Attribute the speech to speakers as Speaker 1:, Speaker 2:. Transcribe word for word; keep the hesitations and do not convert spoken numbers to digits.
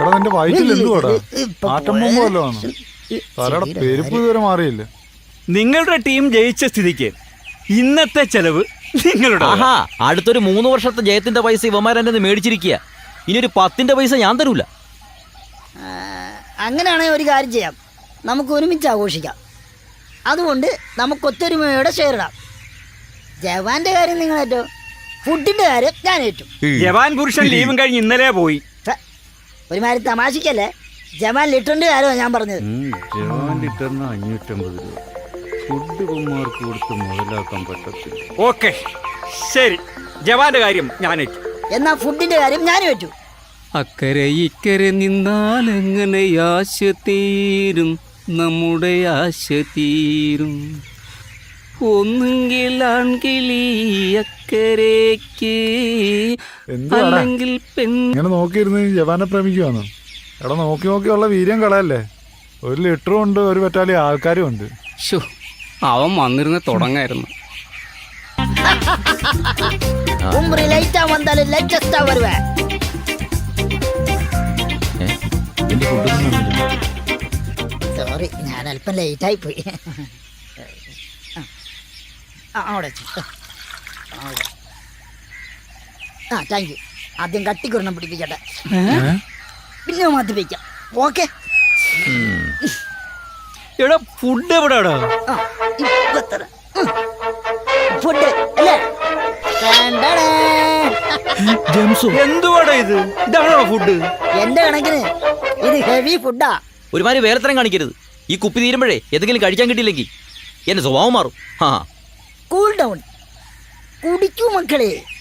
Speaker 1: എടാ നിന്റെ വയറ്റിൽ എന്തുവാടാ? ആറ്റം ബോംബ് വല്ലതും ആണോ? തലയുടെ പെരുപ്പ് ഇതുവരെ മാറിയില്ല.
Speaker 2: നിങ്ങളുടെ ടീം ജയിച്ച സ്ഥിതിക്ക് ഇന്നത്തെ ചെലവ് നിങ്ങളുടെ.
Speaker 3: ആഹാ, അടുത്തൊരു മൂന്ന് വർഷത്തെ ജയത്തിന്റെ പൈസ ഇവന്മാരെന്നെ മേടിച്ചിരിക്കുക. ഇനി ഒരു പത്തിന്റെ പൈസ ഞാൻ തരൂല.
Speaker 4: അങ്ങനെയാണെങ്കിൽ ഒരു കാര്യം ചെയ്യാം, നമുക്ക് ഒരുമിച്ച് ആഘോഷിക്കാം. അതുകൊണ്ട് നമുക്ക് ഒത്തൊരുമയോടെ ഷെയർ ഇടാം. ജവാന്റെ കാര്യം നിങ്ങൾ ഏറ്റു, ഫുഡിന്റെ കാര്യം ഞാൻ ഏറ്റു.
Speaker 2: ജവാൻ പുരുഷൻ ലീവും കഴിഞ്ഞ് ഇന്നലെ പോയി.
Speaker 4: ഒരുമാതിരി തമാശക്കല്ലേ, ജവാൻ ലിറ്ററിന്റെ കാര്യമാണ് ഞാൻ പറഞ്ഞത്.
Speaker 2: ജവാൻ ലിറ്ററിന് അഞ്ഞൂറ്റമ്പത് രൂപ ഫുഡ് കുമാർക്ക് കൊടുത്ത് മുതലാക്കാൻ പറ്റത്തില്ല. ഓക്കെ ശരി, ജവാന്റെ കാര്യം ഞാൻ ഏറ്റു.
Speaker 4: എന്നാ ഫുഡിന്റെ കാര്യം ഞാനും ഏറ്റു.
Speaker 5: അക്കരെ ഇക്കരെ നിന്നാൽ എങ്ങനെ ആശ തീരും, നമ്മുടെ ആശ തീരും. ഒന്നുകിൽ ആൺകിളി അക്കരയ്ക്ക്, അല്ലെങ്കിൽ പെൺ.
Speaker 1: ഇങ്ങനെ നോക്കിയിരുന്ന് ജവാനെ പ്രേമിക്കുവാന്നോ? എടാ നോക്കി നോക്കിയുള്ള വീര്യം കളയല്ലേ. ഒരു ലിറ്ററും ഉണ്ട്, ഒരു പറ്റാലി ആൾക്കാരും ഉണ്ട്.
Speaker 5: ശോ, അവൻ വന്നിരുന്ന് തുടങ്ങായിരുന്നു.
Speaker 4: സോറി, ഞാൻ അല്പം ലേറ്റായി പോയി. അവിടെ ആ താങ്ക് യു. ആദ്യം കട്ടിക്കുരണം പിടിപ്പിക്കട്ടെ, പിന്നെ മാറ്റി വയ്ക്കാം. ഓക്കെ.
Speaker 2: എടാ ഫുഡ് എവിടെയാടാ?
Speaker 4: ഫുഡ് അല്ലേ?
Speaker 2: എന്തുവാടാ ഇത്? ഇതാണോ ഫുഡ്?
Speaker 4: എന്റെ കണക്കിന് ഇത് ഹെവി ഫുഡാ.
Speaker 3: ഒരുമാതിരി വേലത്തരം കാണിക്കരുത്. ഈ കുപ്പി തീരുമ്പോഴേ എന്തെങ്കിലും കഴിക്കാൻ കിട്ടിയില്ലെങ്കിൽ എന്റെ സ്വഭാവം മാറും. ആ
Speaker 4: കൂൾ ഡൗൺ, കുടിക്കൂ മക്കളെ.